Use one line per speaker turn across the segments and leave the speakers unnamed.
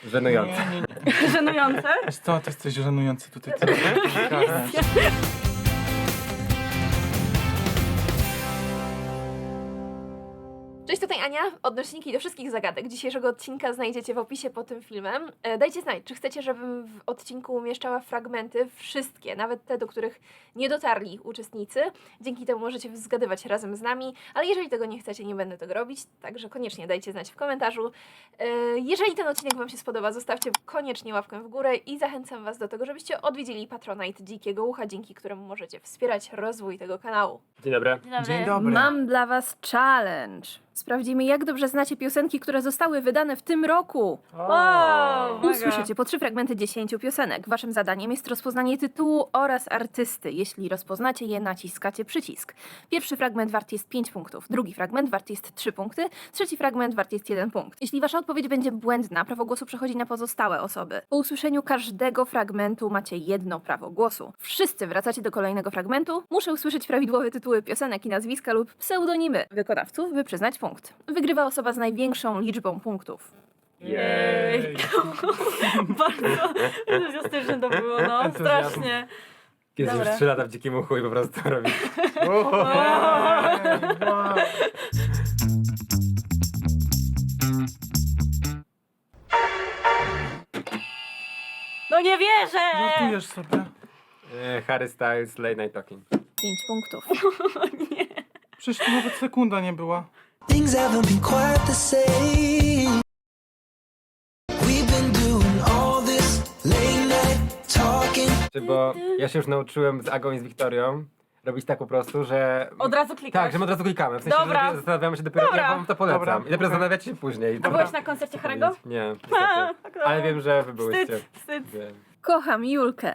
Żenujące.
Nie.
Żenujące?
Wiesz co, ty jesteś żenujący tutaj.
Cześć, tutaj Ania. Odnośniki do wszystkich zagadek dzisiejszego odcinka znajdziecie w opisie pod tym filmem. Dajcie znać, czy chcecie, żebym w odcinku umieszczała fragmenty, wszystkie, nawet te, do których nie dotarli uczestnicy. Dzięki temu możecie zgadywać razem z nami, ale jeżeli tego nie chcecie, nie będę tego robić, także koniecznie dajcie znać w komentarzu. Jeżeli ten odcinek Wam się spodoba, zostawcie koniecznie łapkę w górę i zachęcam Was do tego, żebyście odwiedzili Patronite Dzikiego Ucha, dzięki któremu możecie wspierać rozwój tego kanału.
Dzień dobry.
Dzień dobry.
Mam dla Was challenge. Sprawdzimy, jak dobrze znacie piosenki, które zostały wydane w tym roku.
Wow, mega.
Usłyszycie po 3 fragmenty 10 piosenek. Waszym zadaniem jest rozpoznanie tytułu oraz artysty. Jeśli rozpoznacie je, naciskacie przycisk. Pierwszy fragment wart jest 5 punktów, drugi fragment wart jest 3 punkty, trzeci fragment wart jest 1 punkt. Jeśli wasza odpowiedź będzie błędna, prawo głosu przechodzi na pozostałe osoby. Po usłyszeniu każdego fragmentu macie jedno prawo głosu. Wszyscy wracacie do kolejnego fragmentu. Muszę usłyszeć prawidłowe tytuły piosenek i nazwiska lub pseudonimy wykonawców, by przyznać punkt. Wygrywa osoba z największą liczbą punktów.
Jej. Bardzo entuzjastyczne to było, no.
Entuzjazm.
Strasznie.
Jest już
Dobra.
3 lata w dzikim uchu i po prostu robi.
Wow.
No nie wierzę!
Żartujesz sobie.
Harry Styles, Late Night Talking.
5 punktów.
Przecież tu nawet sekunda nie była.
Things haven't been quite the same. We've been doing all this late night talking.
Bo ja się już nauczyłem z Agą i z Wiktorią robić tak po prostu, że...
Od razu klikasz.
Tak, że my od razu klikamy. W sensie,
Dobra.
że zastanawiamy się dopiero,
Dobra.
ja wam to polecam.
Dobra,
I dopiero
okej.
zastanawiacie się później.
A byłeś na koncercie Harry'ego?
Nie, niestety. Ale wiem, że wy byłyście.
Wstyd.
Wiem.
Kocham Julkę.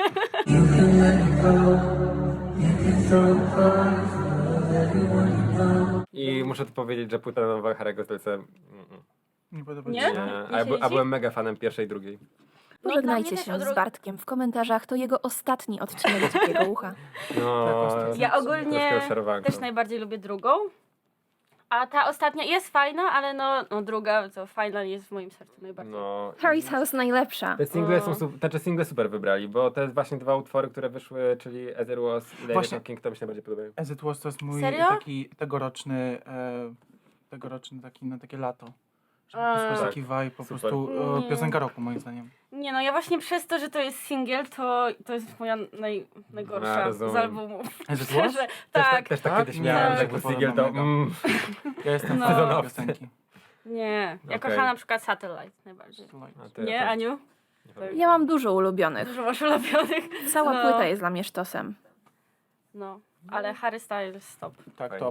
I muszę tu powiedzieć, że płyta nowa Harry'ego Stylesa...
Nie podoba
Nie?
ci się?
Nie,
Nie siedzi?
a byłem mega fanem pierwszej i drugiej.
Pożegnajcie
też
się
od
z
razu-
Bartkiem w komentarzach, to jego ostatni odcinek Dzikiego Ucha.
No,
Tak, ostatnio.
Ja
troszkę
ogólnie
rozczarowanko.
też najbardziej lubię drugą. A ta ostatnia jest fajna, ale no druga, to fajna jest w moim sercu najbardziej.
No.
Harry's House najlepsza.
Te single są te single super wybrali, bo te właśnie dwa utwory, które wyszły, czyli As It Was i Lady
Właśnie.
Talking, to mi się najbardziej podobają.
As It Was to jest mój
Serio?
taki tegoroczny taki na takie lato. Żeby posłuchać
Tak.
taki vibe, po
Super.
prostu
Nie.
piosenka roku moim zdaniem.
Nie no, ja właśnie przez to, że to jest singiel, to jest moja najgorsza
rozumiem.
z albumów.
As It Was?
Szczerze, tak.
Też tak
Tak?
kiedyś
Nie,
miałem,
mi
że
się
jak był
podoba
singiel to...
mega. Ja jestem
No.
fanem tej
Sezonowcy.
piosenki.
Nie, ja
Okej.
kocham na przykład Satellite najbardziej.
A ty,
Nie,
tak.
Aniu?
Ja mam dużo ulubionych.
Dużo masz ulubionych.
Cała
No.
płyta jest dla mnie sztosem.
No, ale Harry Styles stop.
Tak,
Fajnie.
top.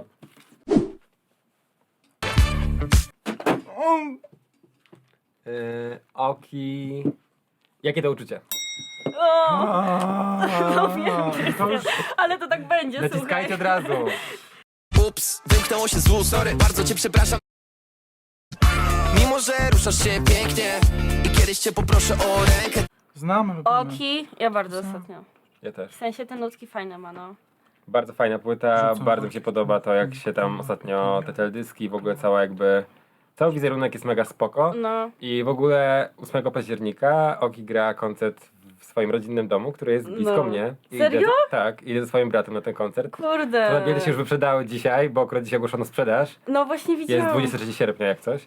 Oki... Jakie to uczucie?
O,
No
wiem,
to już
ale to tak będzie,
Naciskajcie od
słuchaj.
razu.
Ups, wymknęło się z ust, sorry, bardzo cię przepraszam. Mimo, że ruszasz się pięknie i kiedyś cię poproszę o rękę.
znamy, lubimy.
Oki, ja bardzo ostatnio.
Ja też.
W sensie te nutki fajne ma, no.
Bardzo fajna płyta,
Rzucam
bardzo mi
oczy.
się podoba to, jak się tam ostatnio te teledyski, w ogóle cała jakby... Cały wizerunek jest mega spoko.
No.
I w ogóle 8 października Oki gra koncert w swoim rodzinnym domu, który jest blisko
No.
mnie. I
Serio?
idę, tak, idę ze swoim bratem na ten koncert.
Kurde.
To bilety się już wyprzedały dzisiaj, bo akurat dzisiaj ogłoszono sprzedaż.
No właśnie widziałam.
Jest 23 sierpnia jak coś.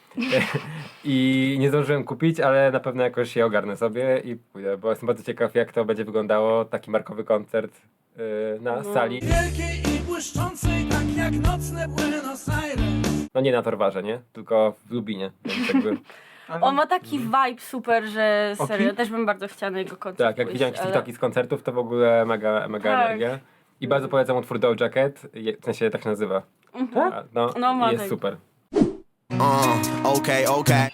I nie zdążyłem kupić, ale na pewno jakoś je ogarnę sobie i pójdę, bo jestem bardzo ciekaw, jak to będzie wyglądało, taki markowy koncert na sali.
Wielkiej i błyszczącej, tak jak nocne Buenos Aires.
No nie na Torwarze, nie? Tylko w Lubinie. Więc jakby,
Ale
On ma taki vibe super, że serio,
Oki?
też bym bardzo chciała na jego koncert
tak, jak
pójść,
widziałem jakieś
ale-
TikToki z koncertów, to w ogóle mega
Tak.
energia. I bardzo polecam utwór Doja Cat, w sensie tak się nazywa. Tak? No,
No, ma
jest
tak.
super.
Okay.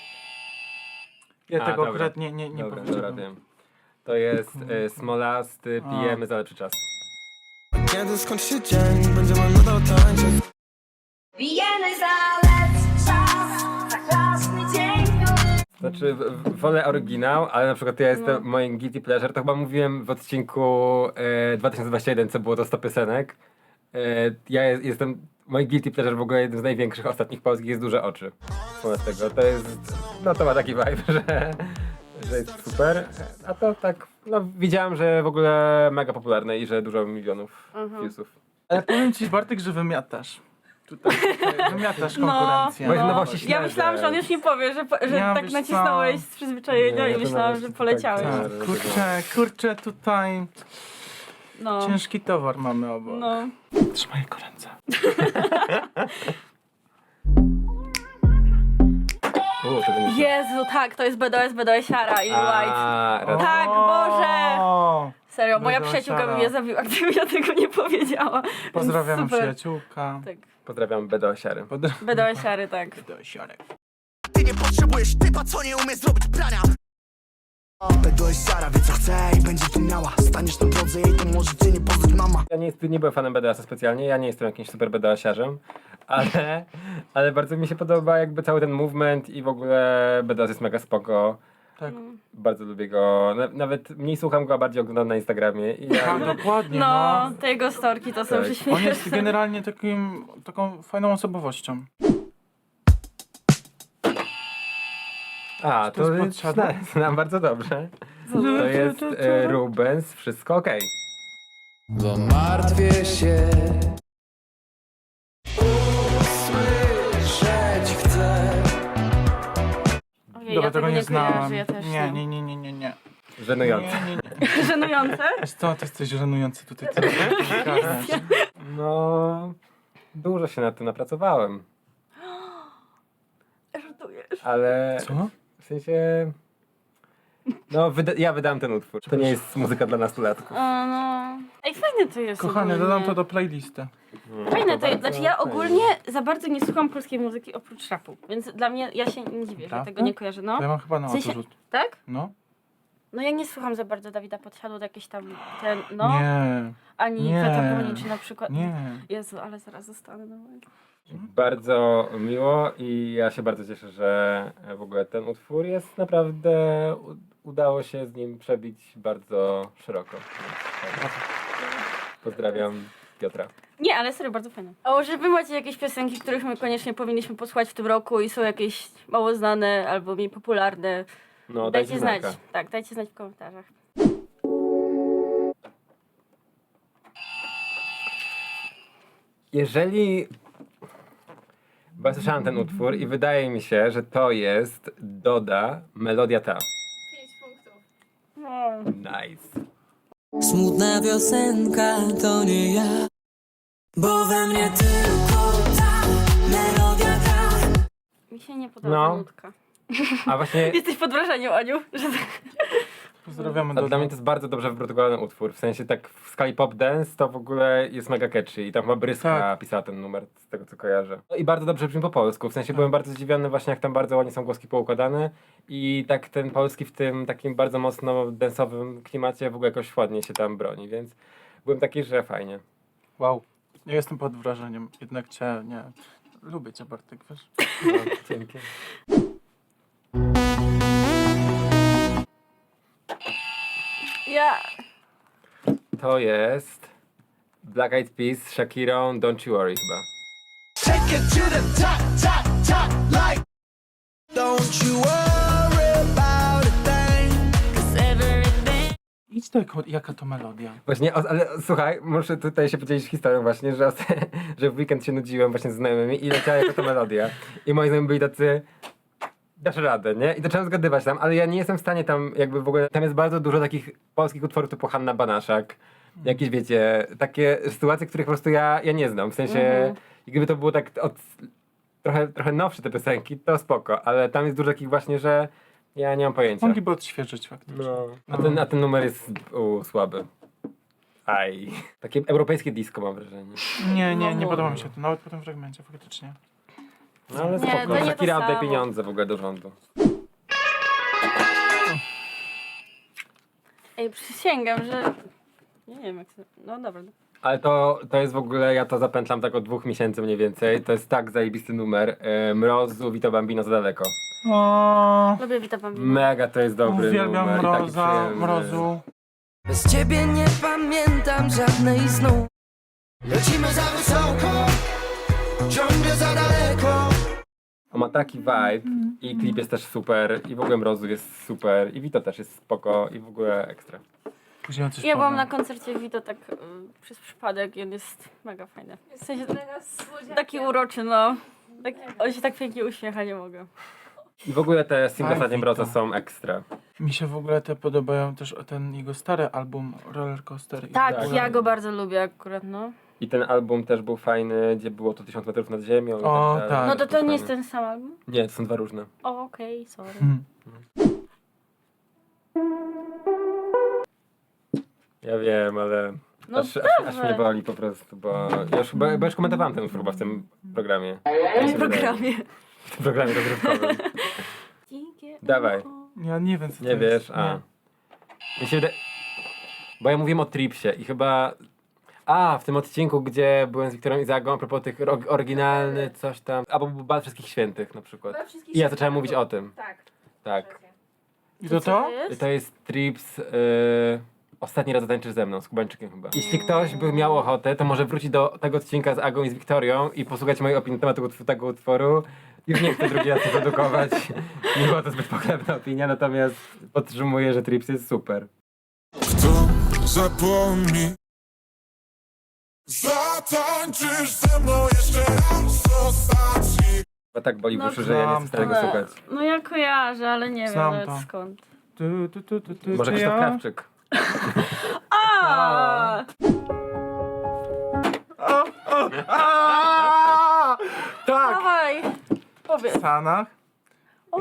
ja
A,
tego
dobra.
akurat nie
Dobra,
powiedziałbym.
wiem. To jest Smolasty, pijemy za lepszy czas.
Kiedy skończy się dzień, będziemy nadal tańczyć.
Pijemy za lepszy czas, za krasny dzień.
Znaczy, wolę oryginał, ale na przykład ja jestem, moim guilty pleasure, to chyba mówiłem w odcinku 2021, co było to 100 piosenek. Ja jestem Mój guilty pleasure w ogóle jednym z największych ostatnich polskich jest Duże Oczy. Wobec tego to jest, no to ma taki vibe, że jest super, a to tak, no widziałem, że w ogóle mega popularne i że dużo milionów viewsów.
Ale powiem ci, Bartek, że wymiatasz. Tutaj wymiatasz konkurencję.
Bo jest nowości
Ja
śledzę.
myślałam, że on już nie powie, że
Ja
tak
wiesz
nacisnąłeś z przyzwyczajenia
Nie,
i
to
myślałam,
nawet
że
tak
poleciałeś.
tak.
Tak, kurczę, tutaj
No.
ciężki towar mamy obok.
No.
Trzymaj ręce.
To będzie...
Jezu, tak, to jest BDS-siara i White.
raz...
Tak, Boże!
O,
Serio, moja
BDS
przyjaciółka by
siara.
mnie zabiła, gdybym ja tego nie powiedziała. Więc
pozdrawiam
super.
przyjaciółka.
Tak.
Pozdrawiam BDS-siary.
BDS-siary, tak.
Ty nie potrzebujesz typa, co nie umie zrobić prania. BDS Sara wie co chce i będzie tu miała. Staniesz na drodze jej, to może cię nie poznać mama.
Ja nie byłem fanem BDS-a specjalnie, ja nie jestem jakimś super BDS-iarzem, ale bardzo mi się podoba jakby cały ten movement i w ogóle BDS jest mega spoko.
Tak.
Bardzo lubię go, nawet mniej słucham go, a bardziej oglądam na Instagramie. I ja,
Tak, dokładnie,
No,
no.
te jego storki to są
Tak.
prześmieszne.
On jest generalnie taką fajną osobowością.
a,
to jest
to
podsiadło?
znam bardzo dobrze. To jest Rubens, wszystko okej.
Bo martwię się. Usłyszeć chcę.
Ojej,
Dobra,
ja
tego nie
kojarzę,
znałam.
ja też
Nie,
nie.
nie.
Żenujące.
Nie.
Żenujące?
Wiesz co, ty jesteś żenujący tutaj. Co ty gadasz?
No, dużo się nad tym napracowałem,
Żartujesz.
ale
Co?
w sensie... No, ja wydałem ten utwór. To nie jest muzyka dla nastolatków.
O, no. Ej, fajne to jest
Kochany,
ogólnie.
dodam to do playlisty.
Fajne to jest,
Bardzo
znaczy ja
fajnie.
ogólnie za bardzo nie słucham polskiej muzyki oprócz rapu, więc dla mnie, ja się nie dziwię, że
Prawda?
tego nie kojarzę, no.
To ja mam chyba na
W sensie-
odrzut.
Tak?
No?
No ja nie słucham za bardzo Dawida Podsiadło, jakieś tam ten, no,
Nie,
ani
nie.
Kwiata Poniczy na przykład.
nie.
Jezu, ale zaraz zostanę. No.
Bardzo miło i ja się bardzo cieszę, że w ogóle ten utwór jest naprawdę... Udało się z nim przebić bardzo szeroko. Pozdrawiam Piotra.
Nie, ale serio, bardzo fajne. O, że wy macie jakieś piosenki, których my koniecznie powinniśmy posłuchać w tym roku i są jakieś mało znane albo mniej popularne,
No,
dajcie znać.
znaka.
Tak, dajcie znać w komentarzach.
Jeżeli... Bo ja słyszałem ten utwór i wydaje mi się, że to jest Doda, melodia ta.
5 punktów.
Nice.
Smutna piosenka to nie ja, bo we mnie tylko ta melodia gra.
Mi się nie podoba
No.
ta nutka.
A właśnie...
Jesteś pod wrażeniem, Aniu? Że...
Pozdrawiamy
A
do
dla mnie to jest bardzo dobrze wyprodukowany utwór. W sensie tak w skali pop dance to w ogóle jest mega catchy i tam chyba Bryska
Tak.
pisała ten numer, z tego co kojarzę. No i bardzo dobrze brzmi po polsku. W sensie byłem bardzo zdziwiony właśnie jak tam bardzo ładnie są głoski poukładane i tak ten polski w tym takim bardzo mocno dance'owym klimacie w ogóle jakoś ładnie się tam broni, więc byłem taki, że fajnie.
Wow. Ja jestem pod wrażeniem. Jednak cię, nie. Lubię cię, Bartek, wiesz?
No, dzięki.
Ja...
To jest Black Eyed Peas z Shakirą, Don't You Worry chyba.
Take it to the top, top, top, like. Don't you worry about a thing.
Idź do jaka to melodia.
Właśnie, ale słuchaj, muszę tutaj się podzielić historią właśnie, że w weekend się nudziłem właśnie z znajomymi i leciała jako to melodia. I moi znajomi byli tacy, dasz radę, nie? I zacząłem zgadywać tam, ale ja nie jestem w stanie tam jakby w ogóle, tam jest bardzo dużo takich polskich utworów typu Hanna Banaszak, jakieś wiecie, takie sytuacje, których po prostu ja nie znam, w sensie, gdyby to było tak trochę nowsze te piosenki, to spoko, ale tam jest dużo takich właśnie, że ja nie mam pojęcia.
Mogliby odświeżyć faktycznie.
No. A ten numer jest słaby. Aj. Takie europejskie disco mam wrażenie.
Nie podoba mi się to, nawet po tym fragmencie, faktycznie.
No ale
Nie,
spoko.
to nie to
Shakira oddaj
samo.
pieniądze w ogóle do rządu.
Ej, przysięgam, że... Nie wiem jak to... No dobra.
Ale to jest w ogóle, ja to zapętlam tak od 2 miesięcy mniej więcej. To jest tak zajebisty numer. Mrozu, Vito Bambino za daleko.
O,
Lubię Vita Bambino.
Mega to jest dobry
uwielbiam
numer. i taki
mroza,
przyjemny.
mrozu.
Bez ciebie nie pamiętam żadnej snu.
Lecimy za wysoko, ciągle za daleko.
On ma taki vibe i klip jest też super i w ogóle Mrozu jest super i Vito też jest spoko i w ogóle ekstra.
Później coś
Ja byłam
powiem.
na koncercie Vito tak przez przypadek i on jest mega fajny. W sensie taki uroczy, no. On się tak pięknie uśmiecha, nie mogę.
I w ogóle te single
Aj,
ostatnie Mroza
Vito.
są ekstra.
Mi się w ogóle te podobają też ten jego stary album Roller Coaster. i
Tak,
w ogóle-
ja go bardzo lubię akurat, no.
I ten album też był fajny, gdzie było to 1000 metrów nad ziemią. i
O,
dalej.
tak.
No to
był
nie jest
fajny.
ten sam album?
Nie, to są dwa różne.
O, okej, sorry.
Mhm.
Ja wiem, ale
No
aż mnie boli po prostu, bo ja już komentowałem ten chyba w tym programie.
W tym programie.
W tym programie rozrywkowym. Dawaj.
Ja nie wiem, co
Nie
to
wiesz,
jest.
a.
Nie.
Mi się wydaje... Bo ja mówiłem o Tripsie i chyba... w tym odcinku, gdzie byłem z Wiktorem i Zagą, a propos tych oryginalny coś tam, albo był Bal Wszystkich Świętych na przykład. I ja zacząłem mówić o tym.
Tak.
Tak.
I to
Co
to?
to jest?
To jest Trips... Ostatni raz zatańczysz ze mną, z Kubańczykiem chyba. Jeśli ktoś by miał ochotę, to może wrócić do tego odcinka z Agą i z Wiktorią i posłuchać mojej opinii na temat tego utworu. Już nie chcę drugi raz to produkować. Nie była to zbyt pochlebna opinia, natomiast podtrzymuję, że Trips jest super.
Kto zapomni? Zatańczysz ze mną jeszcze raz ostatni.
Bo tak boli w
No,
uszy, że ja nie chcę
znam
tego
to.
słuchać.
No ja kojarzę, ale nie wiem
Znam
nawet
to.
skąd.
Może
czy
Krzysztof
ja?
Krawczyk.
A!
Tak!
Dawaj! Powiedz.
W Stanach.
O!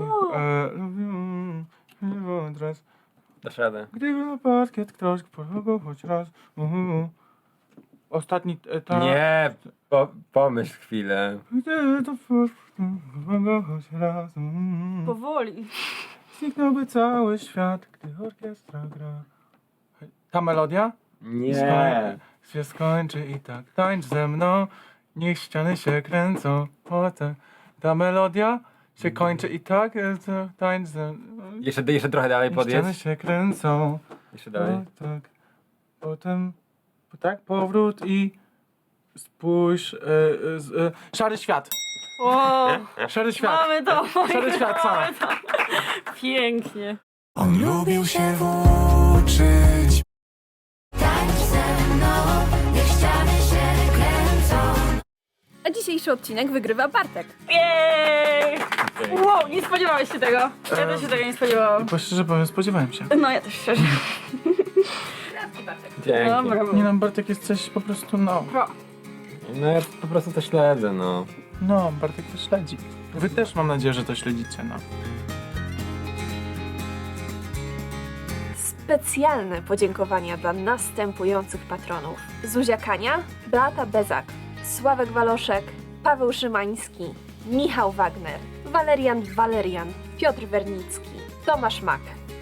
Lubię teraz.
Dasz radę.
Gdyby na parkiet ktoś pojechał choć raz. Ostatni etap.
Nie, pomyśl chwilę.
Gdyby to choć raz.
Powoli.
Zniknąłby cały świat, gdy orkiestra gra. Ta melodia?
Nie.
Się skończy i tak tańcz ze mną. Niech ściany się kręcą. Potem ta melodia się kończy i tak tańcz ze mną.
Jeszcze trochę dalej
Niech ściany
podjedź.
się kręcą.
Jeszcze dalej.
O, tak. Potem tak powrót i spójrz. Szary świat.
O!
Szary świat.
Mamy to!
Szary świat, co?
Mamy to. Pięknie.
On lubił się włóczyć.
Tańcz ze mną, niech ściany się kręcą.
A dzisiejszy odcinek wygrywa Bartek.
Jej! Wow, nie spodziewałeś się tego. Ja też się tego nie spodziewałam.
Bo szczerze powiem, spodziewałem się.
No ja też szczerze.
Dzięki.
Dobra.
Nie no, Bartek jest coś po prostu, no.
No ja po prostu to śledzę, no.
No, Bartek to śledzi. Wy też mam nadzieję, że to śledzicie, no.
Specjalne podziękowania dla następujących patronów. Zuzia Kania, Beata Bezak, Sławek Waloszek, Paweł Szymański, Michał Wagner, Walerian, Piotr Wernicki, Tomasz Mak,